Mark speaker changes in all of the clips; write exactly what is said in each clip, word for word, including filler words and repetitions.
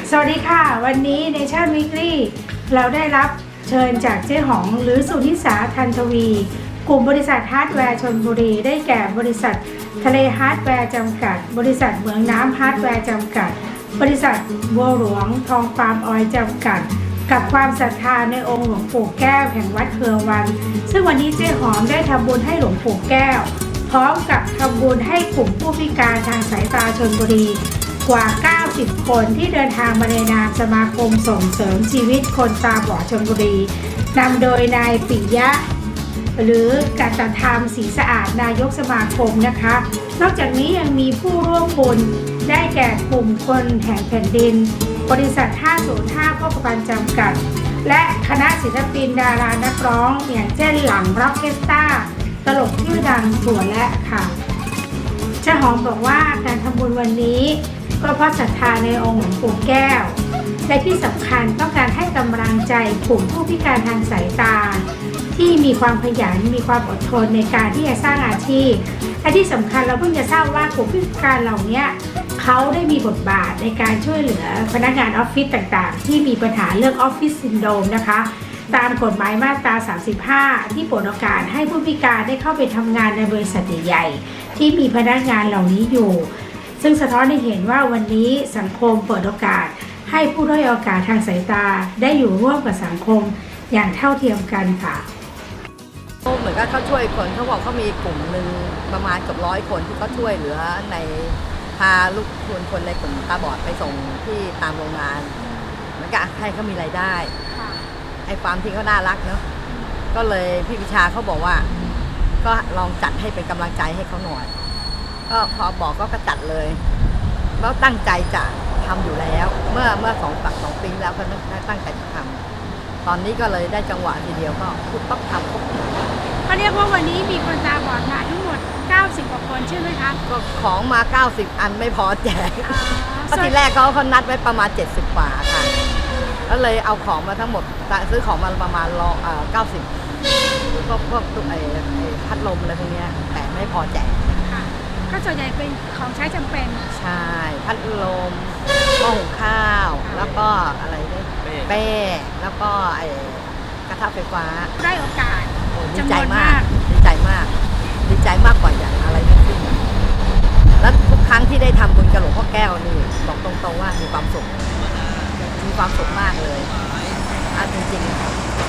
Speaker 1: สวัสดีค่ะวันนี้ในชาติวิกฤตเราได้รับเชิญจากเจ๊หองหรือสุนิสาทันทวีกลุ่มบริษัทฮาร์ดแวร์ชลบุรีได้แก่บริษัททะเลฮาร์ดแวร์จำกัดบริษัทเหมืองน้ำฮาร์ดแวร์จำกัดบริษัทบัวหลวงทองฟาร์มออยล์จำกัดกับความศรัทธาในองค์หลวงปู่แก้วแห่งวัดเครือวันซึ่งวันนี้เจ๊หอมได้ทำบุญให้หลวงปู่แก้วพร้อมกับทำบุญให้กลุ่มผู้พิการทางสายตาชลบุรีกว่า เก้าสิบ คนที่เดินทางมาในนามสมาคมส่งเสริมชีวิตคนตาบอดชลบุรีนำโดยนายปิยะหรือกัตธรรมศรีสะอาดนายกสมาคมนะคะนอกจากนี้ยังมีผู้ร่วมบุญได้แก่กลุ่มคนแห่งแผ่นดินบริษัทห้าศูนย์ห้าโภคภัณฑ์จำกัดและคณะศิลปินดารานักร้องอย่างเช่นหลังร็อกเคสตาตลกชื่อดังถั่วและค่ะเจ้าหอมบอกว่าการทำบุญวันนี้ก็เพราะศรัทธาในองค์หลวงปู่แก้วและที่สำคัญต้องการให้กำลังใจกลุ่มผู้พิการทางสายตาที่มีความขยันมีความอดทนในการที่จะสร้างอาชีพและที่สำคัญเราเพิ่งจะทราบว่ากลุ่มผู้พิการเหล่านี้เขาได้มีบทบาทในการช่วยเหลือพนักงานออฟฟิศต่างๆที่มีปัญหาเรื่องออฟฟิศซินโดรมนะคะตามกฎหมายมาตราสามสิบห้าที่เปิดโอกาสให้ผู้พิการได้เข้าไปทำงานในบริษัทใหญ่ๆที่มีพนักงานเหล่านี้อยู่ซึ่งสะท้อนให้เห็นว่าวันนี้สังคมเปิดโอกาสให้ผู้ด้อยโอกาสทางสายตาได้อยู่ร่วมกับสังคมอย่างเท่าเทียมกันค่ะ
Speaker 2: เหมือนกับเขาช่วยคนเขาบอกเขามีกลุ่มหนึ่งประมาณเกือบร้อยคนที่เขาช่วยเหลือในพาลูกคนคนในกลุ่มตาบอดไปส่งที่ตามโรงงานเหมือนกับให้เขามีรายได้ไอ้ความที่เขาน่ารักเนาะก็เลยพี่วิชาเขาบอกว่าก็ลองจัดให้เป็นกำลังใจให้เขาหน่อยก็พอบอกก็กระจัดเลยแล้วตั้งใจจะทำอยู่แล้วเมื่อเมื่อสองตักสองปีแล้วก็ตั้งใจจะทำตอนนี้ก็เลยได้จังหวะทีเดียวก็ปุ๊บปั๊บทำปุ๊บ
Speaker 1: เขาเรียกว่าวันนี้มีคนตาบอดมาทั้งหมดเก้าสิบกว่าคนใช่ไหมคะ
Speaker 2: ก็ของมาเก้าสิบอันไม่พอแจกเพราะทีแรกเขาเขานัดไว้ประมาณเจ็ดสิบกว่าค่ะแล้วเลยเอาของมาทั้งหมดซื้อของมาประมาณรอเก้าสิบพวกพวกตุ๊กไอ้พัดลมอะไรพวกนี้แต่ไม่พอแจก
Speaker 1: ก็ส่วนใหญ่เป็นของใช้จำเป็น
Speaker 2: ใช่พัดลมหม้อหุงข้าวแล้วก็อะไรเนี่ยเป้แล้วก็ไอ้กระทะไฟฟ้า
Speaker 1: ได้โอกาส
Speaker 2: ดีใจมากดีใจมากดีใจมากกว่าอย่างอะไรทั้งสิ้นแล้วทุกครั้งที่ได้ทำบุญกับหลวงพ่อแก้วนี่บอกตรงๆว่ามีความสุขมีความสุขมากเลยอันจริงๆ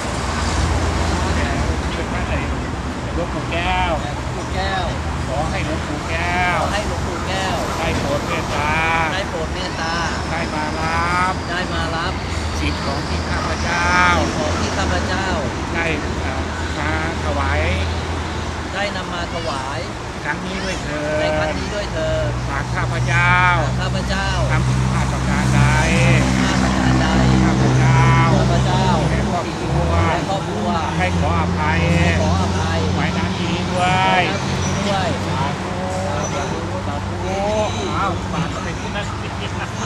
Speaker 3: หลวงปู่แก้ว
Speaker 4: ปู่แก้ว
Speaker 3: ขอให้หลวงปู่แก้ว
Speaker 4: ให้หลวงปู่แก้ว
Speaker 3: ได้โปรดเมตตา
Speaker 4: ได้โปรดเมตตา
Speaker 3: ได้มารับ
Speaker 4: ได้มารับ
Speaker 3: สิ่งของที่ข้าพเจ้า
Speaker 4: ของที่ข้าพเจ้า
Speaker 3: ได้มาถวาย
Speaker 4: ได้นำมาถวาย
Speaker 3: ครั้งนี้ด้วยเถิด
Speaker 4: ในครั้งนี้ด้วยเถิด
Speaker 3: ฝากข้าพเจ้า
Speaker 4: ข้าพเจ้า
Speaker 3: ทำผิดพลาดประการใด
Speaker 4: พลาดประการใด
Speaker 3: ข้าพเจ้า
Speaker 4: ข้าพเจ้า
Speaker 3: ให้ครอบครัว
Speaker 4: ให้ครอบครัว
Speaker 3: ให้ขออภัย
Speaker 4: ขออภัย
Speaker 3: ไว้ณที่นี้ด้วย
Speaker 4: ด้วย
Speaker 3: สาธุ
Speaker 4: สาธุสาธุ
Speaker 3: อ้าวฝากไปที่นั่นคิดนะ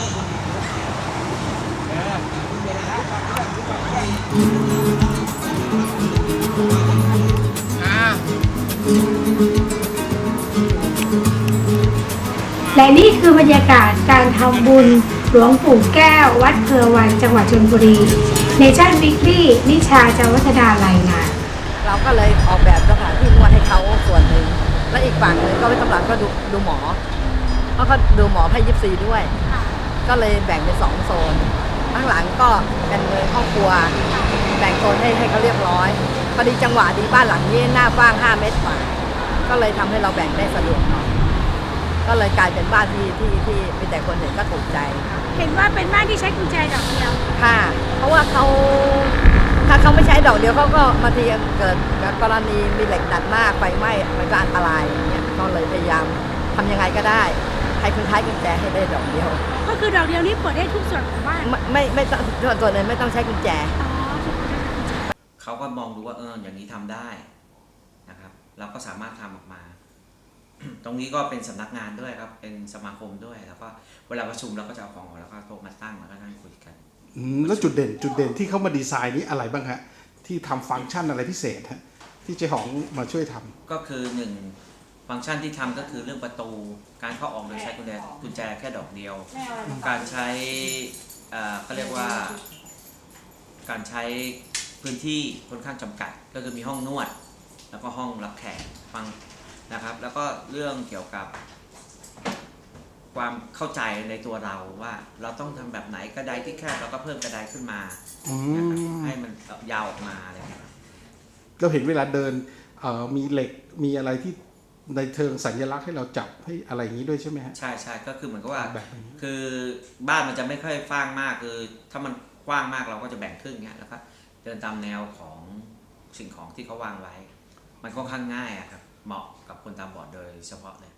Speaker 1: และนี่คือบรรยากาศการทำบุญหลวงปู่แก้ววัดเครือวันจังหวัดชลบุรีเนชั่นวิกฤตนิชาจาวัฒนารายงาน
Speaker 2: เราก็เลยออกแบบสถานที่นวดให้เขาส่วนหนึ่งและอีกฝั่งหนึ่งก็ไว้กำลังก็ดูดูหมอเพราะเขาดูหมอให้ยิปซีด้วยก็เลยแบ่งเป็นสองโซนข้างหลังก็เป็นเลยครอบครัวแบ่งโซนให้ให้เขาเรียบร้อยพอดีจังหวะดีบ้านหลังนี้หน้ากว้างห้าเมตรกว่าก็เลยทำให้เราแบ่งได้สะดวกหน่อยก็เลยกลายเป็นบ้านที่ที่ที่มีแต่คนเห็นก็ถูกใจ
Speaker 1: เห็นว่าเป็นบ้านที่ใช้กุญแจดอกเดียว
Speaker 2: ค่ะเพราะว่าเขาถ้าเขาไม่ใช้ดอกเดียวเขาก็บางทีเกิดกรณีมีเหล็กดัดมากไฟไหม้มันก็อันตรายอย่างเงี้ยก็เลยพยายามทำยังไงก็ได้ให้คนใช้กุญแจให้ได้ดอกเดียว
Speaker 1: ก็คือดอกเดียวนี้เปิดได้ทุกส่วนของบ้าน
Speaker 2: ไม่ไม่ไม่ต้องส่วนส่วนเลยไม่ต้องใช้กุญแจ
Speaker 4: เขาก็มองดูว่าเอออย่างนี้ทำได้นะครับเราก็สามารถทำออกมาตรงนี้ก็เป็นสำนักงานด้วยครับเป็นสมาคมด้วยแล้วก็เวลาประชุมเราก็จะเอาของออกแล้วก็โต๊ะมาตั้งแล้วก็นั่งคุยกัน
Speaker 3: แล้วจุดเด่นจุดเด่นที่เขามาดีไซน์นี้อะไรบ้างฮะที่ทำฟังก์ชันอะไรพิเศษฮะที่เจ๊หองมาช่วยทำ
Speaker 4: ก็คือหนึ่งฟังก์ชันที่ทำก็คือเรื่องประตูการเข้าออกโดยใช้กุญแจกุญแจแค่ดอกเดียวการใช้เอ่อก็เรียกว่าการใช้พื้นที่ค่อนข้างจำกัดก็คือมีห้องนวดแล้วก็ห้องรับแขกฟังนะครับแล้วก็เรื่องเกี่ยวกับความเข้าใจในตัวเราว่าเราต้องทำแบบไหนกระไดที่แคบเราก็เพิ่มกระไดขึ้นมา
Speaker 3: อื
Speaker 4: นะครับ
Speaker 3: ม
Speaker 4: ให้มันยาวออกมาอะไรอย่างเงี้ย
Speaker 3: เราเห็นเวลาเดินเอ่อมีเหล็กมีอะไรที่ในเชิงสัญลักษณ์ให้เราจับให้อะไรอย่างนี้ด้วยใช่ไหมฮะ
Speaker 4: ใช่ใช่ก็คือเหมือนกับว่า
Speaker 3: แบบนี้
Speaker 4: คือบ้านมันจะไม่ค่อยกว้างมากคือถ้ามันกว้างมากเราก็จะแบ่งครึ่งเงี้ยแล้วก็เดินตามแนวของสิ่งของที่เขาวางไว้ มันค่อนข้างง่ายอะครับเหมาะกับคนตาบอดโดยเฉพาะเลย